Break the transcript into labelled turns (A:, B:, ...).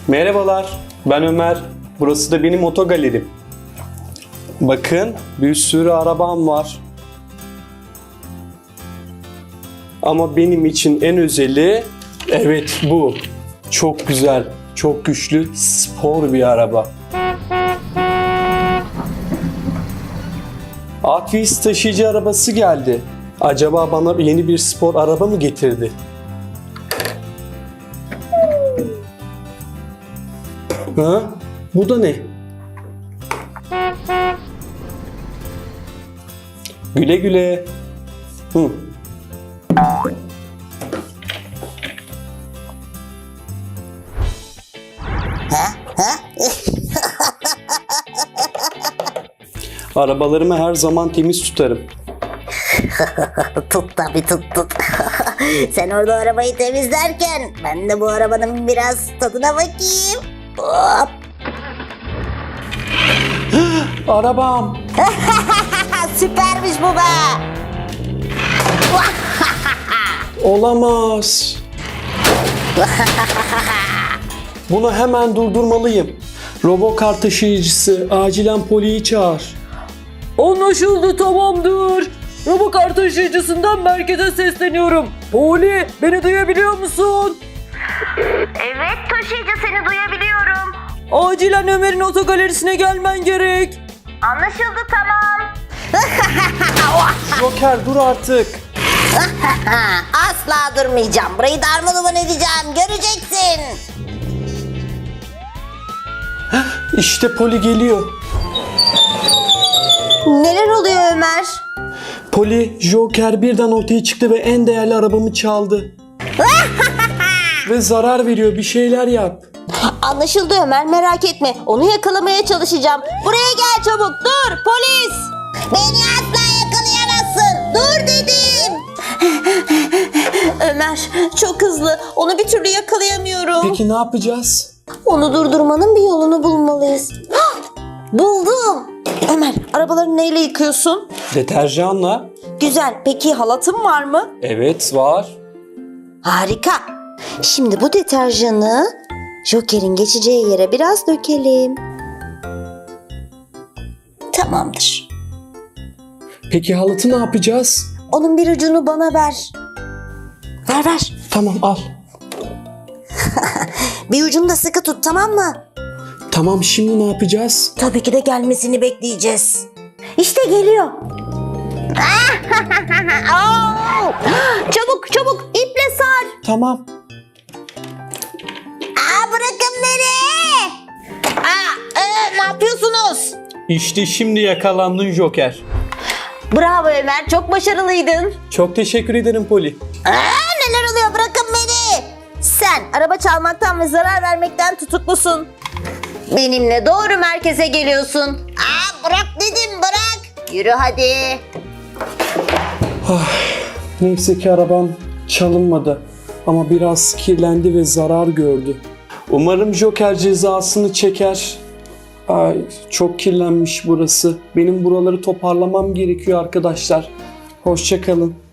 A: Merhabalar, ben Ömer. Burası da benim otogalerim. Bakın, bir sürü arabam var. Ama benim için en özeli, evet bu. Çok güzel, çok güçlü, spor bir araba. Akvis taşıyıcı arabası geldi. Acaba bana yeni bir spor araba mı getirdi? Ha? Bu da ne? Güle güle. Hı. Arabalarımı her zaman temiz tutarım.
B: Tut tabii tut. Sen orada arabayı temizlerken ben de bu arabanın biraz tadına bakayım. Hop.
A: Arabam.
B: Süpermiş bu be.
A: Olamaz. Bunu hemen durdurmalıyım. Robokar taşıyıcısı, acilen Poli'yi çağır.
C: Anlaşıldı, tamamdır. Robokar taşıyıcısından merkeze sesleniyorum. Poli, beni duyabiliyor musun?
D: Evet taşıyıcı, seni duyabiliyorum.
C: Acilen Ömer'in otogalerisine gelmen gerek.
D: Anlaşıldı, tamam.
A: Joker dur artık.
B: Asla durmayacağım. Burayı darmadağın edeceğim. Göreceksin.
A: İşte Poli geliyor.
B: Neler oluyor Ömer?
A: Poli, Joker birden ortaya çıktı ve en değerli arabamı çaldı. Ve zarar veriyor, bir şeyler yap.
B: Anlaşıldı Ömer, merak etme. Onu yakalamaya çalışacağım. Buraya gel çabuk. Dur polis. Beni asla yakalayamazsın. Dur dedim. Ömer çok hızlı. Onu bir türlü yakalayamıyorum.
A: Peki ne yapacağız?
B: Onu durdurmanın bir yolunu bulmalıyız. Hah! Buldum. Ömer, arabaları neyle yıkıyorsun?
A: Deterjanla.
B: Güzel. Peki halatın var mı?
A: Evet var.
B: Harika. Şimdi bu deterjanı Joker'in geçeceği yere biraz dökelim. Tamamdır.
A: Peki halatı ne yapacağız?
B: Onun bir ucunu bana ver. Ver.
A: Tamam al.
B: Bir ucunu da sıkı tut, tamam mı?
A: Tamam, şimdi ne yapacağız?
B: Tabii ki de gelmesini bekleyeceğiz. İşte geliyor. Aa! Çabuk iple sar.
A: Tamam.
B: Bırakın beni. Ne yapıyorsunuz?
A: İşte şimdi yakalandın Joker.
B: Bravo Ömer, çok başarılıydın.
A: Çok teşekkür ederim Poli.
B: Neler oluyor, bırakın beni. Sen araba çalmaktan ve zarar vermekten tutuklusun. Benimle doğru merkeze geliyorsun. Bırak dedim, bırak. Yürü hadi.
A: Neyse ki arabam çalınmadı. Ama biraz kirlendi ve zarar gördü. Umarım Joker cezasını çeker. Ay, çok kirlenmiş burası. Benim buraları toparlamam gerekiyor arkadaşlar. Hoşça kalın.